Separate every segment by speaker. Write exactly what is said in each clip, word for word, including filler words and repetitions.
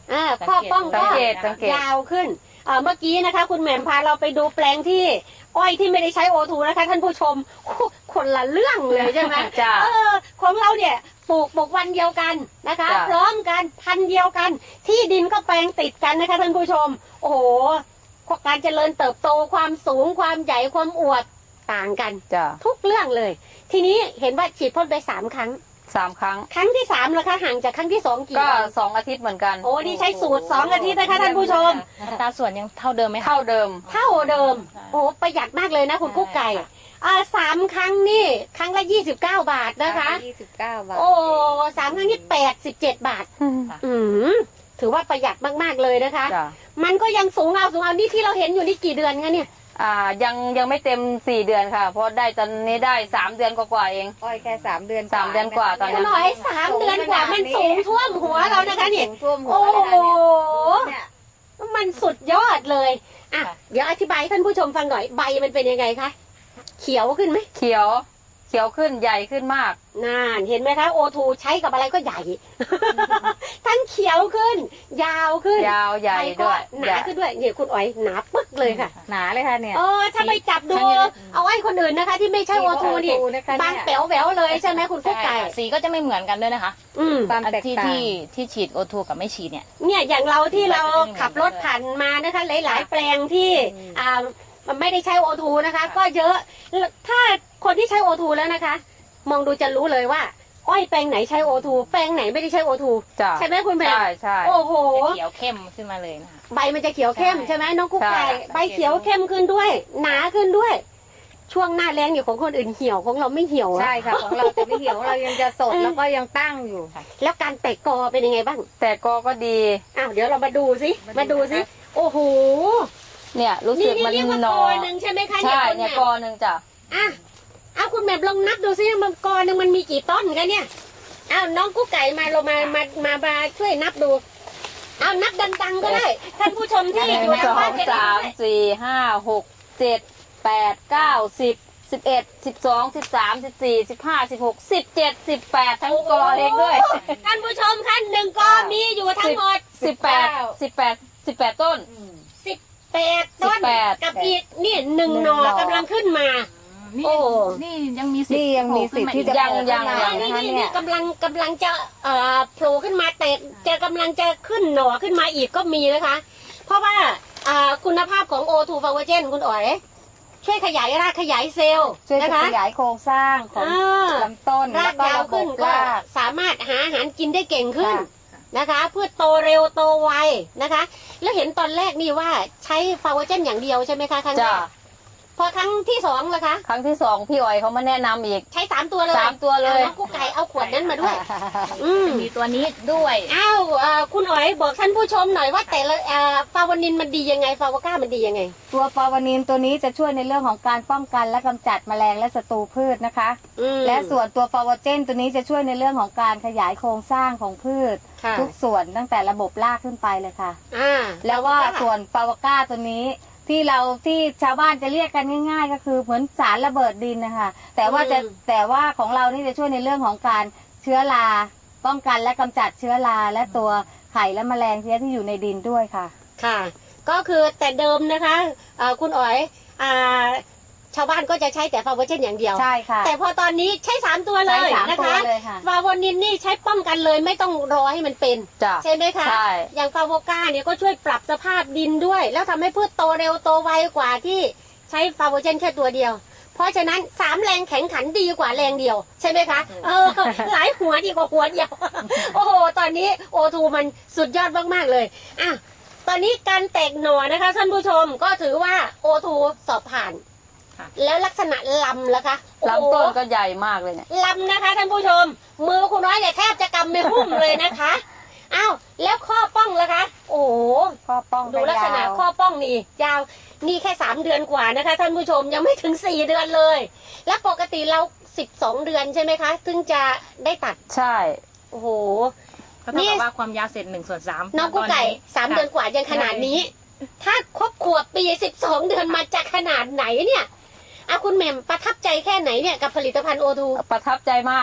Speaker 1: อ่าข้อป้องก็ยาวขึ้นเมื่อกี้นะคะคุณแหม่มพาเราไปดูแปลงที่อ้อยที่ไม่ได้ใช้โอทูนะคะท่านผู้ชมคนละเรื่องเลยใช่ไหมจ้าเออของเราเนี่ยปลูกปลูกวันเดียวกันนะคะพร้อมกันพันเดียวกันที่ดินก็แปลงติดกันนะคะท่านผู้ชมโอ้โหการเจริญเติบโตความสูงความใหญ่ความอวบต่างกันจ้าทุกเรื่องเลยทีนี้เห็นว่าฉีดพ่นไปสามครั้ง
Speaker 2: สามครั้ง
Speaker 1: ครั้งที่สามแล้วคะห่างจากครั้งที่สองกี่
Speaker 2: ก็สองอาทิตย์เหมือนกัน
Speaker 1: โอ้นี่ใช้สูตรสองอาทิตย์นะคะท่านผู้ชม
Speaker 3: อัตราส่วนยังเท่าเดิมไหม
Speaker 2: เท่าเดิม
Speaker 1: เท่าเดิมโอ้ประหยัดมากเลยนะคุณกุ๊กไก่อ่าสามครั้งนี่ครั้งละยี่สิบเก้าบาทนะคะ
Speaker 3: ยี่สิบเก้าบาท
Speaker 1: โอ้สามครั้งนี่แปดสิบเจ็ดบาทอืมถือว่าประหยัดมากๆเลยนะคะมันก็ยังสูงเอาสูงเอานี่ที่เราเห็นอยู่นี่กี่เดือนคะเนี่ย
Speaker 2: อ่ายังยังไม่เต็มสี่เดือนค่ะเพราะได้ตอนนี้ได้สามเดือนกว่าๆเอง
Speaker 3: อ้อยแค่สามเดือน
Speaker 2: สามเดือนกว่าตอนนี้
Speaker 1: หน่อยสามเดือนกว่ามันสูงท่วมหัวเรานะคะเนี่ยโอ้โหมันสุดยอดเลยอ่ะเดี๋ยวอธิบายท่านผู้ชมฟังหน่อยใบมันเป็นยังไงคะเขียวขึ้นไหม
Speaker 2: เขียวเขียวขึ้นใหญ่ขึ้นมาก
Speaker 1: น่าเห็นไหมคะโอทูใช้กับอะไรก็ใหญ่ทั้งเขียวขึ้นยาวขึ้น
Speaker 2: ยาวใหญ่ด้วย
Speaker 1: หนาขึ้นด้วยเนี่ยคุณอ๋อยหนาปึ๊กเลยค่ะ
Speaker 3: หนาเลยค่ะเนี่ย
Speaker 1: เออถ้าไปจับดูเอาไอ้คนอื่นนะคะที่ไม่ใช่โอทูนี่บางแป๋วแหววเลยใช่ไหมคุณกุ๊กไก่
Speaker 3: สีก็จะไม่เหมือนกันด้วยนะคะ
Speaker 1: อืม
Speaker 3: ที่ที่ที่ฉีดโอทูกับไม่ฉีดเนี่ย
Speaker 1: เนี่ยอย่างเราที่เราขับรถผ่านมานะคะหลายๆแปลงที่อ่ามันไม่ได้ใช้โอทูนะคะก็เยอะถ้าคนที่ใช้โอทูแล้วนะคะมองดูจะรู้เลยว่าอ้อยแปลงไหนใช้โอทูแปลงไหนไม่ได้ใช้โอทูใช่ไหมคุณแม่
Speaker 2: ใช่ใช่
Speaker 1: โอ้โห
Speaker 3: เขียวเข้มขึ้นมาเลยนะคะ
Speaker 1: ใบมันจะเขียวเข้มใช่ไหมน้องกุ๊กไก่ใบเขียวเข้มขึ้นด้วยหนาขึ้นด้วยช่วงหน้าแรงอยู่ของคนอื่นเหี่ยวของเราไม่เหี่ยว
Speaker 3: ใช่ค่ะของเราจะไม่เหี่ยวเรายังจะสดแล้วก็ยังตั้งอยู่ค่ะ
Speaker 1: แล้วการแตกกอเป็นยังไงบ้าง
Speaker 2: แตกกอก็ดี
Speaker 1: อ้าวเดี๋ยวเรามาดูสิมาดูสิโอ้โห
Speaker 2: เนี่ยรู้สึกมัน
Speaker 1: หนอหนึ่งใช่ไหมคะ
Speaker 2: ใช่เนี่ยกอหนึ่งจ้ะ
Speaker 1: อ่ะเอาคุณแม่ลองนับดูซิมันกอหนึ่งมันมีกี่ต้นกันเนี่ยเอาน้องกุ๊กไก่มาเรามามามามาช่วยนับดูเอานับดังๆก็ได้ท่านผู้ชมที่อยู่ทางบ้านจะ
Speaker 2: ได้สามสี่ห้าหกเจ็ดแปดเก้าสิบสิบเอ็ดสิบสองสิบสามสิบสี่สิบห้าสิบหกสิบเจ็ดสิบแปดทั้งกอเองด้วย
Speaker 1: ท่านผู้ชมคะหนึ่งกอมีอยู่ทั้งหมด
Speaker 2: สิบแปดสิบแปดสิบแปดต้น
Speaker 1: สิบแปดต้นกับอีกนี่หนึ่งหน่อกำลังขึ้นมา
Speaker 3: โอ้นี่ยังมีสิทธิ์
Speaker 2: ยังมีสิทธิ์ที่จะ
Speaker 1: ยังยังนี่นี่นี่กำลังกำลังจะเอ่อโผล่ขึ้นมาแต่จะกำลังจะขึ้นหน่อขึ้นมาอีกก็มีนะคะเพราะว่าคุณภาพของโอทูฟาวเจนคุณอ๋อยช่วยขยายรากขยายเซลล์
Speaker 3: นะคะขยายโครงสร้างของลำต้น
Speaker 1: รากยาวขึ้นก็สามารถหาอาหารกินได้เก่งขึ้นนะคะเพื่อโตเร็วโตไวนะคะแล้วเห็นตอนแรกนี่ว่าใช้ฟาวเจนอย่างเดียวใช่ไหมคะครั้งแรกพอครั้งที่สองล่ะคะ
Speaker 2: ครั้งที่สองพี่อ๋อยเขามาแนะนำอีก
Speaker 1: ใช้สามตัวเลย
Speaker 2: สามตัวเลย
Speaker 1: น้องกุ๊กไก่เอาขวดนั้นมาด้วย
Speaker 3: มีตัวนี้ด้วย
Speaker 1: อ้าวคุณอ๋อยบอกท่านผู้ชมหน่อยว่าแต่ละฟาวานินมันดียังไงฟาวก้ามันดียังไง
Speaker 3: ตัวฟาวานินตัวนี้จะช่วยในเรื่องของการป้องกันและกำจัดแมลงและศัตรูพืชนะคะและส่วนตัวฟาวเจนตัวนี้จะช่วยในเรื่องของการขยายโครงสร้างของพืชทุกส่วนตั้งแต่ระบบรากขึ้นไปเลยค่ะแล้วว่าส่วนฟาวก้าตัวนี้ที่เราที่ชาวบ้านจะเรียกกันง่ายๆก็คือเหมือนสารระเบิดดินนะคะแต่ว่าจะแต่ว่าของเรานี่จะช่วยในเรื่องของการเชื้อราป้องกันและกำจัดเชื้อราและตัวไข่และแมลงเพี้ยที่อยู่ในดินด้วยค่ะ
Speaker 1: ค่ะก็คือแต่เดิมนะคะคุณอ๋อยชาวบ้านก็จะใช้แต่ฟาวเจนอย่างเดียว
Speaker 3: ใช่ค่ะ
Speaker 1: แต่พอตอนนี้ใช้สามตัวเลยนะคะฟาวนินนี่ใช้ป้องกันเลยไม่ต้องรอให้มันเป็นใช่ไหมคะอย่างฟาวก้าเนี่ยก็ช่วยปรับสภาพดินด้วยแล้วทำให้พืชโตเร็วโตไวกว่าที่ใช้ฟาวเจนแค่ตัวเดียวเพราะฉะนั้นสามแรงแข็งขันดีกว่าแรงเดียวใช่ไหมคะเออหลายหัวดีกว่าหัวเดียวโอ้โหตอนนี้โอทูมันสุดยอดมากๆเลยอ่ะตอนนี้การแตกหน่อนะคะท่านผู้ชมก็ถือว่าโอทูสอบผ่านแล้วลักษณะลำล่ะคะ
Speaker 2: ลำต้นก็ใหญ่มากเลยเนี่ย
Speaker 1: ลำนะคะท่านผู้ชมมือคุณน้อยเนี่ยแทบจะกำไม่หุ้มเลยนะคะอ้าวแล้วข้อป้องล่ะคะโอ้
Speaker 3: ข้อป้อง
Speaker 1: ดูลักษณะข้อป้องนี่ยาวนี่แค่สามเดือนกว่านะคะท่านผู้ชมยังไม่ถึงสี่เดือนเลยแล้วปกติเราสิบสองเดือนใช่ไหมคะถึงจะได้ตัด
Speaker 2: ใช่
Speaker 1: โอ้โห
Speaker 3: ก็เท่ากับว่าความยาวเสร็จหนึ่งส่วนสาม
Speaker 1: น้องกุ๊กไก่สามเดือนกว่ายังขนาดนี้ถ้าครบขวบปีสิบสองเดือนมาจากขนาดไหนเนี่ยอ่ะคุณแหม่มประทับใจแค่ไหนเนี่ยกับผลิตภัณฑ์โอทู
Speaker 2: ประทับใจมาก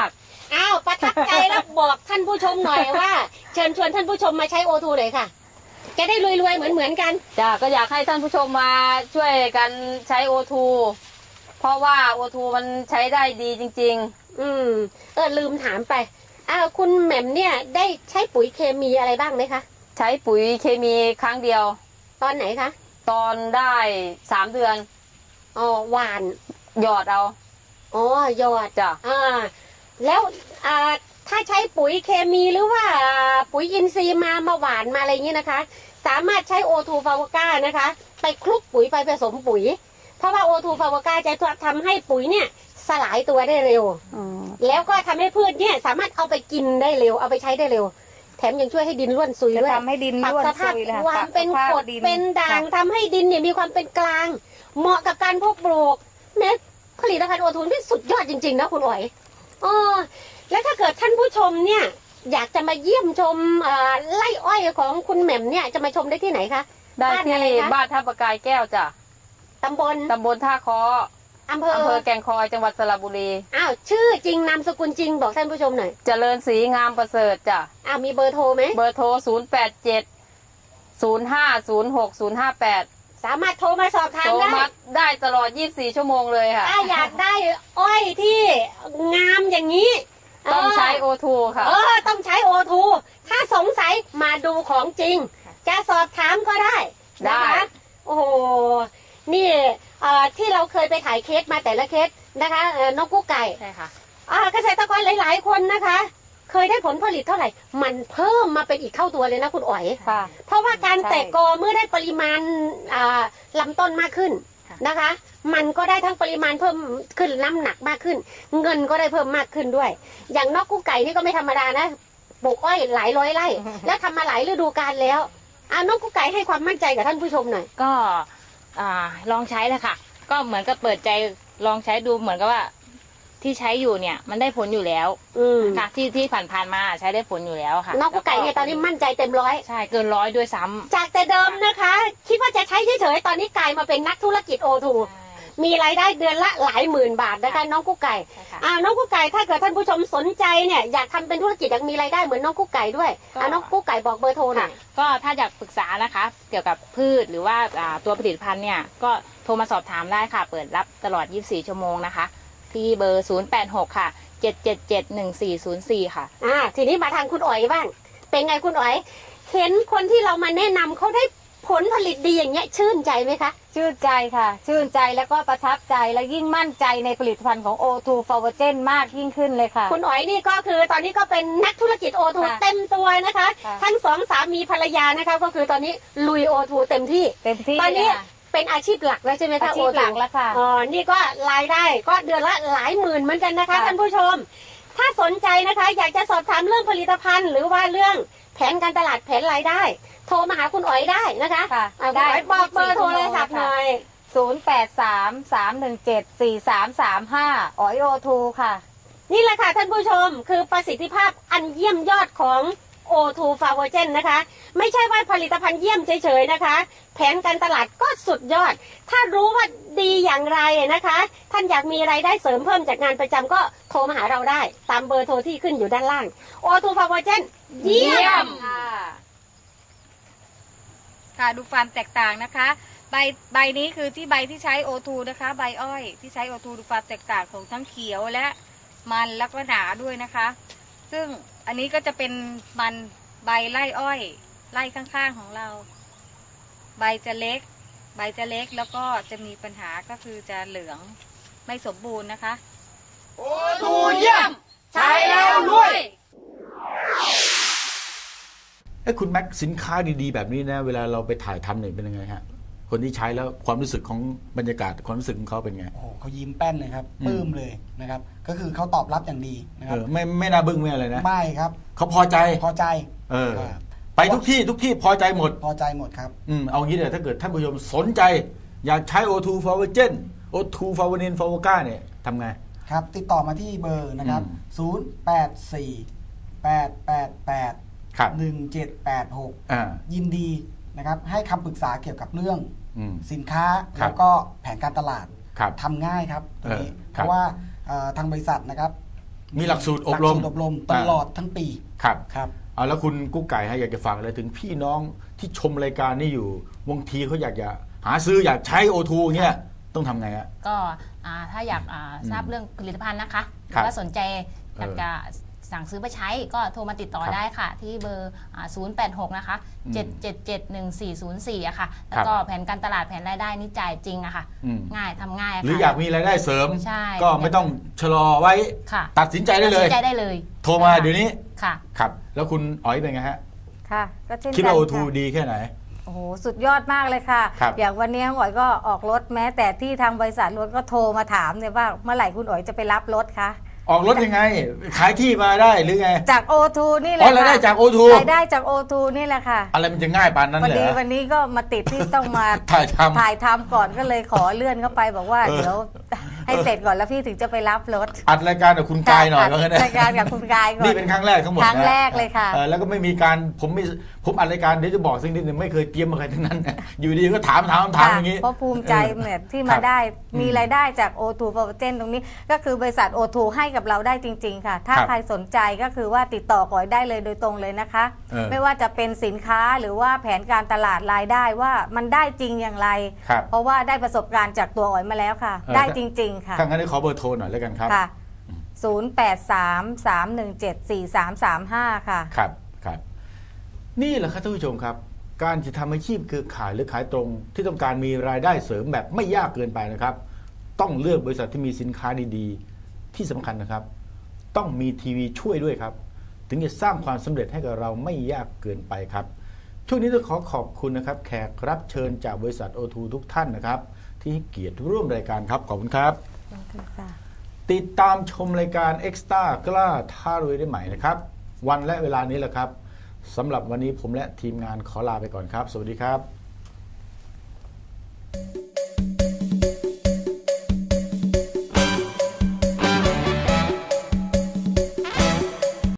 Speaker 1: อ้าวประทับใจแล้วบอกท่านผู้ชมหน่อยว่า เชิญชวนท่านผู้ชมมาใช้โอทูเลยค่ะจะได้รวยๆเหมือนเหมือนกัน
Speaker 2: จ้ะก็อยากให้ท่านผู้ชมมาช่วยกันใช้โอทูเพราะว่าโอทูมันใช้ได้ดีจริงๆ
Speaker 1: อืมเออลืมถามไปอ้าวคุณแหม่มเนี่ยได้ใช้ปุ๋ยเคมีอะไรบ้างไหมคะ
Speaker 2: ใช้ปุ๋ยเคมีครั้งเดียว
Speaker 1: ตอนไหนคะ
Speaker 2: ตอนได้สามเดือน
Speaker 1: อ๋อหวาน
Speaker 2: หยอดเอา
Speaker 1: อ๋อหยอด
Speaker 2: จ้ะ
Speaker 1: อ่าแล้วอ่าถ้าใช้ปุ๋ยเคมีหรือว่าปุ๋ยอินทรีย์มามาหวานมาอะไรอย่างนี้นะคะสามารถใช้โอทูฟาวก้านะคะไปคลุกปุ๋ยไปผสมปุ๋ยเพราะว่าโอทูฟาวก้าจะทำให้ปุ๋ยเนี่ยสลายตัวได้เร็วแล้วก็ทำให้พืชเนี่ยสามารถเอาไปกินได้เร็วเอาไปใช้ได้เร็วแถมยังช่วยให้ดินร่วนซุยด้วย
Speaker 3: ทำให้ดินร่วนซุย
Speaker 1: ปรับสภาพความเป็นกรดเป็นด่างทำให้ดินเนี่ยมีความเป็นกลางเหมาะกับการเพาะปลูกแม้ผลิตภัณฑ์โอทูที่สุดยอดจริงๆนะคุณอ๋อยอ๋อแล้วถ้าเกิดท่านผู้ชมเนี่ยอยากจะมาเยี่ยมชมไร่อ้อยของคุณแหม่มเนี่ยจะมาชมได้ที่ไหนคะ
Speaker 2: ได้ที่บ้านท่าประกายแก้วจ้ะ
Speaker 1: ตำบล
Speaker 2: ตำบลท่าคอ
Speaker 1: อำเภอ
Speaker 2: อำเภอแก่งคอยจังหวัดสระบุรี
Speaker 1: อ้าวชื่อจริงนามสกุลจริงบอกท่านผู้ชมหน่อย
Speaker 2: เจริญศรีงามประเสริฐจ้ะ
Speaker 1: อ้าวมีเบอร์โทรไหม
Speaker 2: เบอร์โทรศูนย์แปดเจ็ดศูนย์ห้าศูนย์หกศูนย์ห้าแปด
Speaker 1: สามารถโทรมาสอบถามได้
Speaker 2: ได้ตลอดยี่สิบสี่ชั่วโมงเลยค่ะ
Speaker 1: ถ้าอยากได้อ้อยที่งามอย่างนี้
Speaker 2: ต้องใช้โอทูค่ะ
Speaker 1: เออต้องใช้โอทูถ้าสงสัยมาดูของจริงจะสอบถามก็ได้นะคะโอ้โหนี่ที่เราเคยไปถ่ายเคสมาแต่ละเคสนะคะน้องกุ๊กไก่
Speaker 2: ใช่ค่ะ
Speaker 1: เกษตรกรหลายๆคนนะคะเคยได้ผลผลิตเท่าไหร่มันเพิ่มมาเป็นอีกเท่าตัวเลยนะคุณอ๋อยเพราะว่าการแตกกอเมื่อได้ปริมาณลำต้นมากขึ้นนะคะมันก็ได้ทั้งปริมาณเพิ่มขึ้นน้ำหนักมากขึ้นเงินก็ได้เพิ่มมากขึ้นด้วยอย่างนกกุ๊กไก่นี่ก็ไม่ธรรมดานะปลูกอ้อยหลายร้อยไร่แล้วทำมาหลายฤดูกาลแล้วอ่านกกุ๊กไก่ให้ความมั่นใจกับท่านผู้ชมหน่อย
Speaker 4: ก็ลองใช้เลยค่ะก็เหมือนกับเปิดใจลองใช้ดูเหมือนกับว่าที่ใช้อยู่เนี่ยมันได้ผลอยู่แล้วค่ะที่ที่ผ่านๆมาใช้ได้ผลอยู่แล้วค่ะ
Speaker 1: นกกุ๊กไก่เนี่ยตอนนี้มั่นใจเต็มร้อย
Speaker 4: ใช่เกินร้อยด้วยซ้ำ
Speaker 1: จากแต่เดิมนะคะคิดว่าจะใช้เฉยๆตอนนี้กลายมาเป็นนักธุรกิจโอทูมีรายได้เดือนละหลายหมื่นบาทนะคะน้องกุ๊กไก่อ่าน้องกุ๊กไก่ถ้าเกิดท่านผู้ชมสนใจเนี่ยอยากทำเป็นธุรกิจอยากมีรายได้เหมือนน้องกุ๊กไก่ด้วยอ่าน้องกุ๊กไก่บอกเบอร์โทรหน่อย
Speaker 4: ก็ถ้าอยากปรึกษานะคะเกี่ยวกับพืชหรือว่าตัวผลิตภัณฑ์เนี่ยก็โทรมาสอบถามได้ค่ะเปิดรับตลอดยี่สิบสี่ชั่วโมงนะคะที่เบอร์ศูนย์แปดหกค่ะเจ็ดเจ็ดเจ็ดหนึ่งสี่ศูนย์สี่ค่ะ
Speaker 1: อ่าทีนี้มาทางคุณอ๋อยบ้างเป็นไงคุณอ๋อยเห็นคนที่เรามาแนะนำเขาได้ผลผลิตดีอย่างเงี้ยชื่นใจไหมคะ
Speaker 3: ชื่นใจค่ะชื่นใจแล้วก็ประทับใจและยิ่งมั่นใจในผลิตภัณฑ์ของ โอ ทู Favogen มากยิ่งขึ้นเลยค่ะ
Speaker 1: คุณอ๋อยนี่ก็คือตอนนี้ก็เป็นนักธุรกิจ โอ ทู เต็มตัวนะคะทั้งสองสามีภรรยานะคะก็คือตอนนี้ลุย โอ ทู เต็มที่
Speaker 3: เต็มที่
Speaker 1: ตอนนี้เป็นอาชีพหลักแล้วใช่ไหมคะ
Speaker 3: อาชีพหลักแล้วค่ะ
Speaker 1: อ๋อนี่ก็รายได้ก็เดือนละหลายหมื่นเหมือนกันนะคะท่านผู้ชมถ้าสนใจนะคะอยากจะสอบถามเรื่องผลิตภัณฑ์หรือว่าเรื่องแผนการตลาดแผนรายได้โทรมาหาคุณอ๋อยได้นะคะได้บอกเบอร์โทรศัพท์หน่อย
Speaker 3: ศูนย์ แปด สาม สาม หนึ่ง เจ็ด สี่ สาม สาม ห้าอ๋อย โอ ทู ค่ะ
Speaker 1: นี่แหละค่ะท่านผู้ชมคือประสิทธิภาพอันเยี่ยมยอดของ โอ ทู Favogen นะคะไม่ใช่ว่าผลิตภัณฑ์เยี่ยมเฉยๆนะคะแผนการตลาดก็สุดยอดถ้ารู้ว่าดีอย่างไรนะคะท่านอยากมีรายได้เสริมเพิ่มจากงานประจำก็โทรมาหาเราได้ตามเบอร์โทรที่ขึ้นอยู่ด้านล่าง โอ ทู Favogen เยี่ยม
Speaker 3: ค่ะดูความแตกต่างนะคะใบใบนี้คือที่ใบที่ใช้ โอ ทู นะคะใบอ้อยที่ใช้ โอ ทู ดูความแตกต่างของทั้งเขียวและมันแล้วก็หนาด้วยนะคะซึ่งอันนี้ก็จะเป็นมันใบไล่อ้อยไล่ข้างๆของเราใบจะเล็กใบจะเล็กแล้วก็จะมีปัญหาก็คือจะเหลืองไม่สมบูรณ์นะคะ
Speaker 5: โอ ทู เยี่ยมใช้แล้วรวย
Speaker 6: ไอ้คุณแม็กสินค้าดีๆแบบนี้นะเวลาเราไปถ่ายทำเนี่ยเป็นยังไงฮะคนที่ใช้แล้วความรู้สึกของบรรยากาศความรู้สึกของเขาเป็นไง
Speaker 5: โอ้เขายิ้มแป้นเลยครับปลื้มเลยนะครับก็คือเขาตอบรับอย่างดีนะครับ
Speaker 6: ไม่ไม่น่าบึ้งไม่อะไรนะ
Speaker 5: ไม่ครับ
Speaker 6: เขาพอใจ
Speaker 5: พอใจ
Speaker 6: เออไปทุกที่ทุกที่พอใจหมด
Speaker 5: พอใจหมดครับ
Speaker 6: อืมเอางี้เลยถ้าเกิดท่านผู้ชมสนใจอยากใช้ โอ ทู Favogen โอ ทู Favogen Favoga เนี่ยทำไง
Speaker 5: ครับติดต่อมาที่เบอร์นะครับศูนย์ แปด สี่ แปด แปด แปด หนึ่ง เจ็ด แปด หกยินดีนะครับให้คำปรึกษาเกี่ยวกับเรื่องสินค้าแล้วก็แผนการตลาดทำง่ายครับตรงนี้เพราะว่าทางบริษัทนะครับ
Speaker 6: มีหลักสูตรอบรม
Speaker 5: หลักสูตรอบรมตลอดทั้งปี
Speaker 6: ครับ
Speaker 5: ครับ
Speaker 6: เอาแล้วคุณกุ๊กไก่ให้อยากจะฝากอะไรถึงพี่น้องที่ชมรายการนี้อยู่บางทีเขาอยากจะหาซื้ออยากใช้ โอ ทู เงี้ยต้องทำไงฮะ
Speaker 4: ก็ถ้าอยากทราบเรื่องผลิตภัณฑ์นะคะหรือว่าสนใจอยากจะสั่งซื้อไปใช้ก็โทรมาติดต่อได้ค่ะที่เบอร์ศูนย์ แปด หกนะคะเจ็ด เจ็ด เจ็ด หนึ่ง สี่ ศูนย์ สี่อะค่ะแล้วก็แผนการตลาดแผนรายได้นี่จ่ายจริงอะค่ะง่ายทำง่าย
Speaker 6: หรืออยากมีรายได้เสริม
Speaker 4: ใช่
Speaker 6: ก็ไม่ต้องชะลอไว้ตัดสินใจได้เลย
Speaker 4: ตัดสินใจได้เลย
Speaker 6: โทรมาเดี๋ยวนี้
Speaker 4: ค่ะ
Speaker 6: ครับแล้วคุณอ๋อยเป็นไงฮะ
Speaker 3: ค่ะก็เช่นกัน
Speaker 6: คิดว่า โอ ทู ดีแค่ไหน
Speaker 3: โอ้โหสุดยอดมากเลยค่ะอย่างวันนี้อ๋อยก็ออกรถแม้แต่ที่ทางบริษัทรถก็โทรมาถามเนี่ยว่าเมื่อไหร่คุณอ๋อยจะไปรับรถคะ
Speaker 6: ออกรถยังไงขายที่มาได้หรือไง
Speaker 3: จาก โอ ทู นี่แหละ
Speaker 6: อ๋อรายได้จาก โอ ทู
Speaker 3: รายได้จาก โอ ทู นี่แหละค่ะ
Speaker 6: อะไรมันจะง่ายปานนั้นเหรอ
Speaker 3: พอดีวันนี้ก็มาติดที่ต้องมา
Speaker 6: ถ่ายทำ
Speaker 3: ถ่ายทำก่อนก็เลยขอเลื่อนเข้าไปบอกว่าเดี๋ยวให้เสร็จก่อนแล้วพี่ถึงจะไปรับรถ
Speaker 6: อัดรายการกับคุณกายหน่อยก็ได้
Speaker 3: รายการกับคุณกายก่อน
Speaker 6: นี่เป็นครั้งแรกทั้งหมด
Speaker 3: ครั้งแรกเลยค่ะ
Speaker 6: แล้วก็ไม่มีการผมไม่ผมอัดรายการเดี๋ยวจะบอกสิ่งที่ไม่เคยเตรียมมาใครทั้งนั้นอยู่ดีก็ถามถามถามอย่างนี้
Speaker 3: เพราะภูมิใจเนี่ยที่มาได้มีรายได้จาก โอ ทู Provision ตรงนี้ก็คือบริษัท โอ ทู ให้กับเราได้จริงๆค่ะถ้าใครสนใจก็คือว่าติดต่อก่อยได้เลยโดยตรงเลยนะคะไม่ว่าจะเป็นสินค้าหรือว่าแผนการตลาดรายได้ว่ามันได้จริงอย่างไรเพราะว่าได้ประสบการณ์จากตัวอ๋อยมาแล้วค่ะได้จริงๆค่ะ
Speaker 6: ถ้างั้นขอเบอร์โทรหน่อยแล้วกันครับ
Speaker 3: ค่ะศูนย์ แปด สาม สาม หนึ่ง เจ็ด สี่ สาม สาม ห้าค่ะ
Speaker 6: ครับครับนี่แหละครับท่านผู้ชมครับการจะทำอาชีพคือขายหรือขายตรงที่ต้องการมีรายได้เสริมแบบไม่ยากเกินไปนะครับต้องเลือกบริษัทที่มีสินค้าดีๆที่สำคัญนะครับต้องมีทีวีช่วยด้วยครับถึงจะสร้างความสำเร็จให้กับเราไม่ยากเกินไปครับช่วงนี้ต้องขอขอบคุณนะครับแขกรับเชิญจากบริษัท โอ ทู ทุกท่านนะครับที่ให้เกียรติร่วมรายการครับขอบคุณครับติดตามชมรายการ Extra กล้าท้ารวยได้ใหม่นะครับวันและเวลานี้แหละครับสำหรับวันนี้ผมและทีมงานขอลาไปก่อนครับสวัสดีครับ